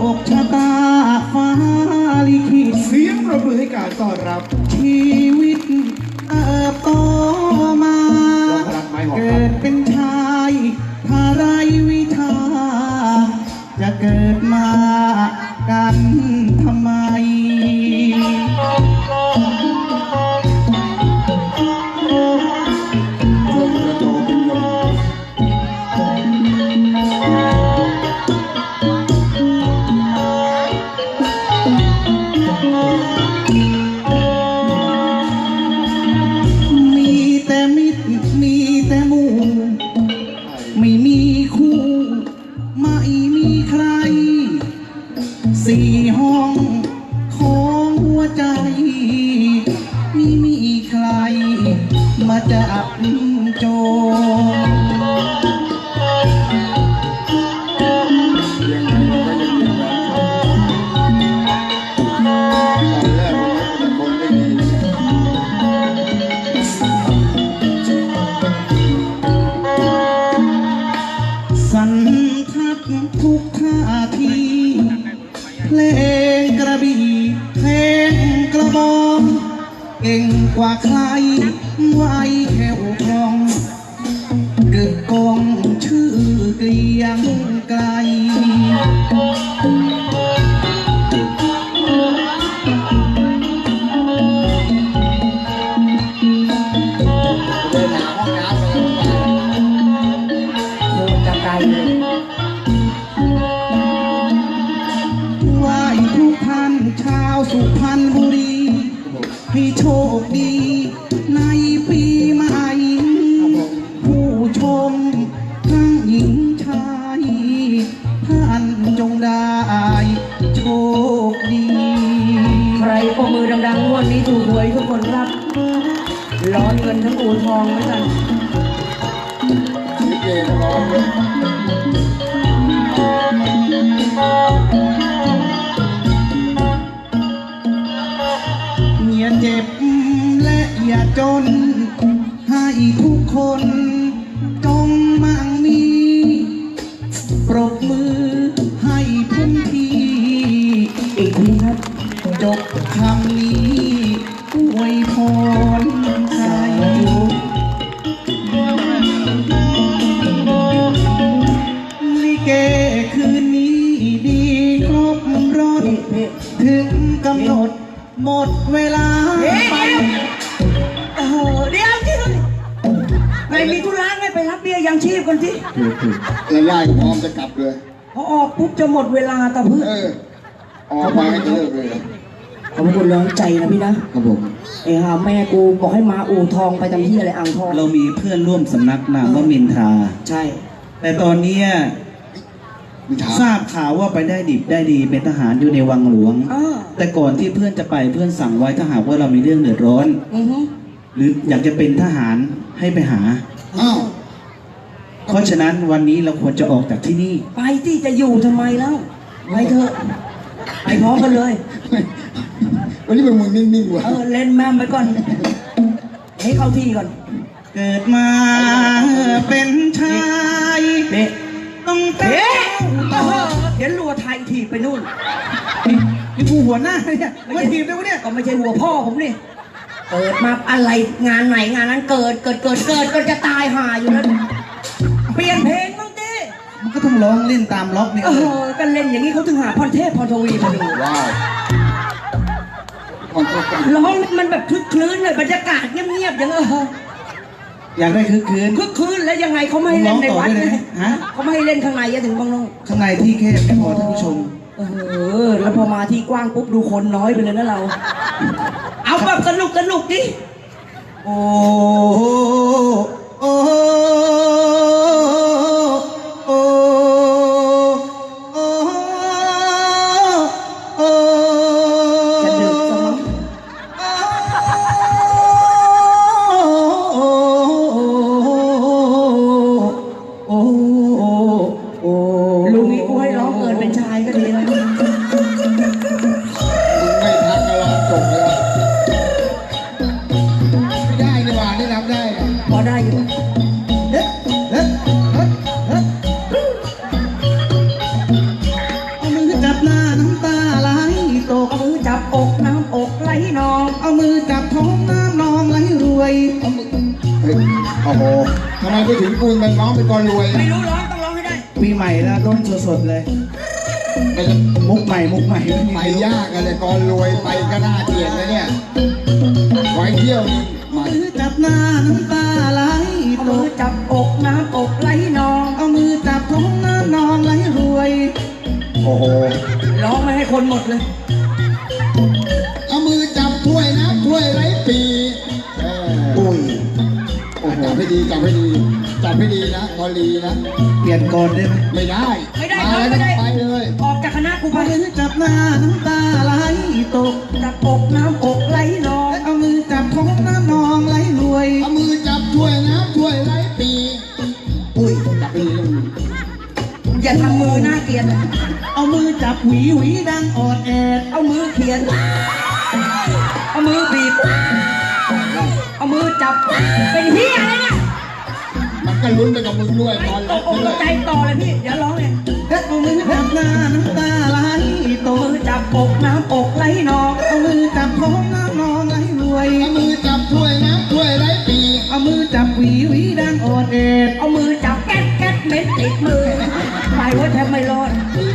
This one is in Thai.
คชะตาฟ้าลิขิตเสียงประมือให้การต้อนรับชีวิตโตมาเกิดเป็นชายภาไรวิชาจะเกิดมากันทำไมไม่มีคู่ไม่มีใครสี่ห้องของหัวใจไม่มีใครมาจับโจรยังไงก็ยังมีแฟนคลับตอนแรกแต่คนไม่ดีสันทัดทุกท่าทีเพลงกระบี่เพลงกระบองเก่งกว่าใครไว้แค่วคล่องกึกกองชื่อเกลียงไกลเดินหาห้องน้ำเลยโดนกระไกลเลยไหว้ทุกท่านชาวสุพรรณบุรีให้โชคดีในปีใหม่ผู้ชมทั้งหญิงชายท่านจงได้โชคดีใครปรบมือดังๆงวดนี้ถูกหวยทุกคนครับร้อนเงินทั้งอู่ทองเหมือนกันลิเกก็ร้องเลยอย่าเจ็บและอย่าจนให้ทุกคนจงมั่งมีปรบมือให้พุ่มทีอีกทีครับจบคำนี้อวยพรใครลิเกคืนนี้ดีครบรถถึงกำหนดหมดเวลาไปเดี๋ยวที่นู่นไม่มีธุระไงไปรับเบี้ยยังชีพกันที่แล้วย่าก็พร้อมจะกลับเลยพอออกปุ๊บจะหมดเวลาแต่เพื่อนออกมาให้จะเลิกเลยขอบคุณร้องใจนะพี่นะครับผมไอ้ห่าแม่กูบอกให้มาอู่ทองไปทำที่อะไรอ่างทองเรามีเพื่อนร่วมสำนักนามว่ามินทาใช่แต่ตอนนี้ทราบข่าวว่าไปได้ดิบได้ดีเป็นทหารอยู่ในวังหลวงแต่ก่อนที่เพื่อนจะไปเพื่อนสั่งไว้ถ้าหากว่าเรามีเรื่องเดือดร้อนหรืออยากจะเป็นทหารให้ไปหาเพราะฉะนั้นวันนี้เราควรจะออกจากที่นี่ไปที่จะอยู่ทำไมแล้วไปเถอะไปพร้อมกันเลยวันนี้มึงนิ่งๆว่ะเล่นแม่ไปก่อนให้เข้าที่ก่อนเกิดมาเป็นชายต้องเต้เดี๋ยวรัวไทยถีบไปนู่นนี่กูหัวหน้าเนี่ยไม่ถีบได้วะเนี่ยก็ไม่ใช่หัวพ่อผมนี่เกิดมาอะไรงานไหนงานนั้นเกิดจะตายห่าอยู่แล้วเปลี่ยนเพลงบ้างดิมันก็ต้องร้องเล่นตามล็อกนี่ก็เล่นอย่างนี้เขาถึงหาพรเทพพรทวีมาดูว้าวร้องมันแบบคึกคลื้นเลยบรรยากาศเงียบๆอย่างอยากได้คึกคืนแล้วยังไงเขาไม่ให้เล่นในวัดเลยเขาไม่ให้เล่นข้างในถึงบางน้องข้างในที่แคบไม่พอท่านผู้ชมแล้วพอมาที่กว้างปุ๊บดูคนน้อยไปเลยนะเราเอาแบบสนุกดิโอ้โอ้โอ้โอ้โอ้จะดึกสมั้งลุงนี่กูให้ร้องเกินเป็นชายก็ดีแล้วมึงไม่ทักก็ร้องจบแล้วได้ดีกว่าได้รับได้พอได้อยู่เเอามือเฮ้ยโอ้โหทำไมไปถึงคุณเป็นน้องเป็นกรรวยไม่รู้ร้องต้องร้องให้ได้ปีใหม่แล้วต้นสดๆเลยไม่จะมุกใหม่ไม่มีไปยากกันเลยกรรวยไปก็น่าเกลียดนะเนี่ยไว้เที่ยวนี่มามือจับหน้าน้ำตาไหลเอาตมือก จับอกน้ำอกไหลนองเอามือจับท้องน้านองไหลรวยโอ้โหร้องไม่ให้คนหมดเลยเอามือจับถ้วยนะถ้วยไร้ปีอุ้ยโอ้โหจับให้ดีจับให้ดีจับให้ดีนะกอลีนะเปลี่ยนก่อนได้ไหมไม่ได้ไม่ได้มาแล้วไม่ได้ไปเลยออกจากคณะกูไปมือจับหน้าน้ำตาไหลตกจับอกน้ำอกไหลนองเอามือจับท้องน้านองไหลรวยเอามือจับถ้วยนะถ้วยไร้ปีอุ้ยจับให้ดีนะมืออย่าทำมือหน้าเกลียดนะเอามือจับหวีหวีดังออดแอดเอามือเขียน เอามือบีบ เอามือจับ เป็นเฮียอะไรเนี่ยมันก็ลุ้นไปกับมึงด้วยตอนตรักบอกตเลกยใจต่อเลยพี่ เดี๋ยวร้องเลยเอามือจับหน้าน้ำตาไหลตมืกอจับอกน้ำอกไหลนองเอามือจับท้องน้านองไหลรวยเอามือจับถ้วยนะถ้วยไร้ปีเอามือจับหวีหวีดังออดแอดเอามือจับแก๊กแก๊กเม็ดติดมือ ไปไว้แทบไม่รอดปี